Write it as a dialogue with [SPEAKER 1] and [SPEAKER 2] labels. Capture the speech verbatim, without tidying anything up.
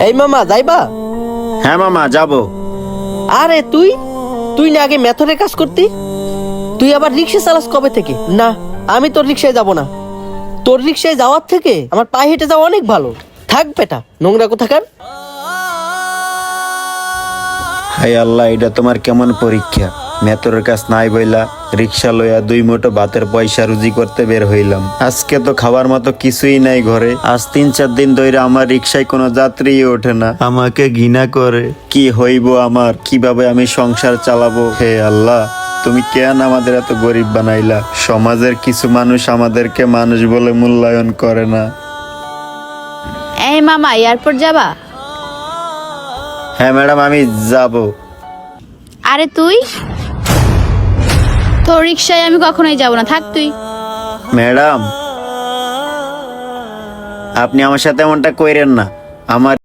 [SPEAKER 1] এই মামা যাইবা?
[SPEAKER 2] হ্যাঁ মামা যাব।
[SPEAKER 1] আরে তুই তুই না আগে মেথডের কাজ করতি, তুই আবার রিক্সা চালাস কবে থেকে? না, আমি তোর রিক্সায় যাব না। তোর রিক্সায় যাওয়ার থেকে আমার পায়ে হেঁটে যাওয়া অনেক ভালো। থাক বেটা, নোংরা কোথাকার।
[SPEAKER 2] হাই আল্লাহ, এটা তোমার কেমন পরীক্ষা? মেতরের কাছ নাই বইলা রিক্সা লইয়া দুই মুঠো ভাতের পয়সা রুজি করতে বের হইলাম। আজকে তো খাবার মতো কিছুই নাই ঘরে। আজ তিন চার দিন ধরে আমার রিক্সায় কোনো যাত্রী ওঠে না, আমাকে ঘৃণা করে। কি হইব আমার? কিভাবে আমি সংসার চালাবো? হে আল্লাহ, তুমি কেন আমাদের এত গরিব বানাইলা? সমাজের কিছু মানুষ আমাদেরকে মানুষ বলে মূল্যায়ন করে না।
[SPEAKER 3] এই মামা, এয়ারপোর্ট যাবা?
[SPEAKER 2] হ্যাঁ ম্যাডাম, আমি যাব।
[SPEAKER 3] আরে তুই? তোর রিক্সায় আমি কখনোই যাব না, থাক তুই।
[SPEAKER 2] ম্যাডাম, আপনি আমার সাথে এমনটা কইরেন না। আমার